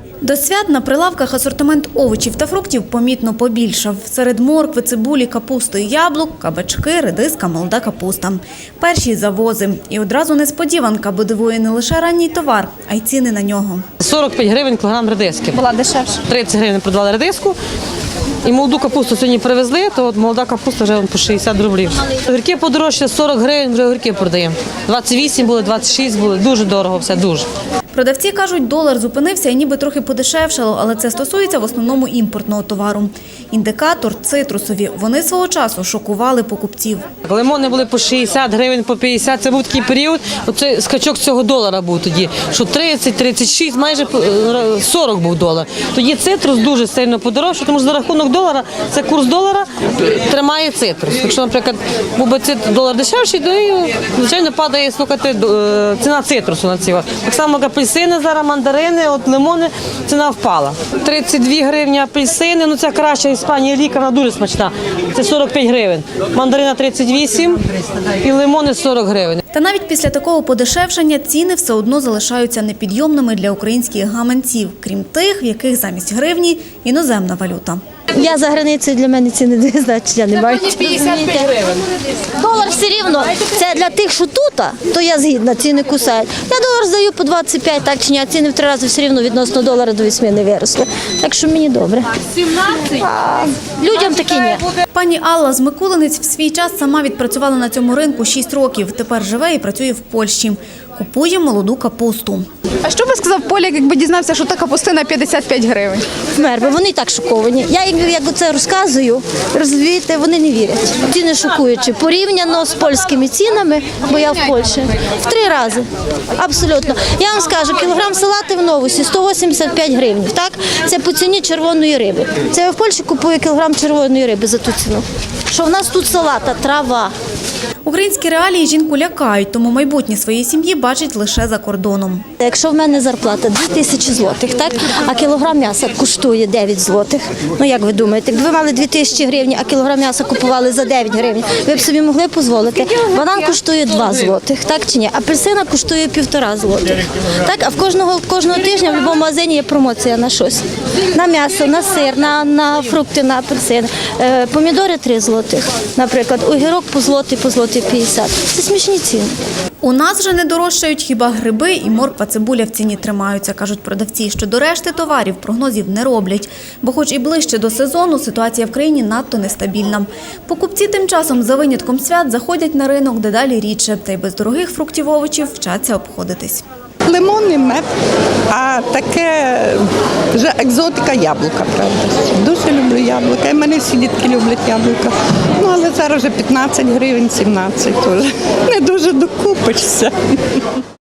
До свят на прилавках асортимент овочів та фруктів помітно побільшав. Серед моркви, цибулі, капусти і яблук – кабачки, редиска, молода капуста. Перші – завози. І одразу несподіванка, бо дивує не лише ранній товар, а й ціни на нього. 45 гривень кілограм редиски. Була дешевше. 30 гривень продавали редиску. І молоду капусту сьогодні привезли, то от молода капуста вже по 60 рублів. Огірки подорожче, 40 гривень вже огірки продаємо. 28 були, 26 були. Дуже дорого все, дуже. Продавці кажуть, долар зупинився і ніби трохи подешевшало, але це стосується в основному імпортного товару. Індикатор – цитрусові. Вони свого часу шокували покупців. Лимони були по 60 гривень, по 50. Це був такий період, оцей скачок цього долара був тоді, що 30, 36, майже 40 був долар. Тоді цитрус дуже сильно подорожчав, тому що за рахунок долара, це курс долара тримає цитрус. Якщо, наприклад, був би долар дешевший, то, звичайно, падає ціна цитрусу на цього. Так само, як апельсини зараз, мандарини, от лимони, ціна впала. 32 гривні апельсини, ну це краща Іспанія ліка, вона дуже смачна. Це 45 гривень. Мандарина 38 і лимони 40 гривень. Та навіть після такого подешевшення ціни все одно залишаються непідйомними для українських гаманців, крім тих, в яких замість гривні – іноземна валюта. Я за границею, для мене ціни не значення не мають. 55 гривень. Долар все рівно, це для тих, що тут, то я згідна, ціни кусають. Я долар здаю по 25, так чи ні, а ціни в 3 рази все рівно відносно долара до 8 не виросли. Так що мені добре. 17? А людям такі ні. Пані Алла з Микулинець в свій час сама відпрацювала на цьому ринку 6 років. Тепер живе і працює в Польщі. Купує молоду капусту. А що би сказав Поляк, якби дізнався, що та капустина 55 гривень? Вмер би, вони і так шоковані. Я їм як це розказую, розумієте, вони не вірять. Ціни шокуючі. Порівняно з польськими цінами, бо я в Польщі, в 3 рази. Абсолютно. Я вам скажу, кілограм салати в Новусі 185 гривень. Так? Це по ціні червоної риби. Це я в Польщі купую кілограм червоної риби за ту ціну. Що в нас тут салата, трава. Українські реалії жінку лякають, тому майбутнє своєї сім'ї бачить лише за кордоном. Якщо в мене зарплата 2000 злотих, так, а кілограм м'яса коштує 9 злотих, ну як ви думаєте, якби ви мали 2000 гривень, а кілограм м'яса купували за 9 гривень, ви б собі могли дозволити? Банан коштує 2 злотих, так чи ні? Апельсина коштує 1,5 злотих. Так, а кожного тижня в будь-якому магазині є промоція на щось. На м'ясо, на сир, на фрукти, на апельсини. Помідори 3 злотих, наприклад, огірок по злотий 50. Це смішні ціни. У нас же не дорожчають хіба гриби і морква, цибуля в ціні тримаються, кажуть продавці. Щодо решти товарів прогнозів не роблять, бо хоч і ближче до сезону, ситуація в країні надто нестабільна. Покупці тим часом за винятком свят заходять на ринок дедалі рідше, та й без дорогих фруктів овочів вчаться обходитись. Лимон і мед, а таке вже екзотика яблука, правда. Дуже люблю яблука, і мене всі дітки люблять яблука. Ну, але зараз вже 15 гривень, 17 теж. Не дуже докупишся.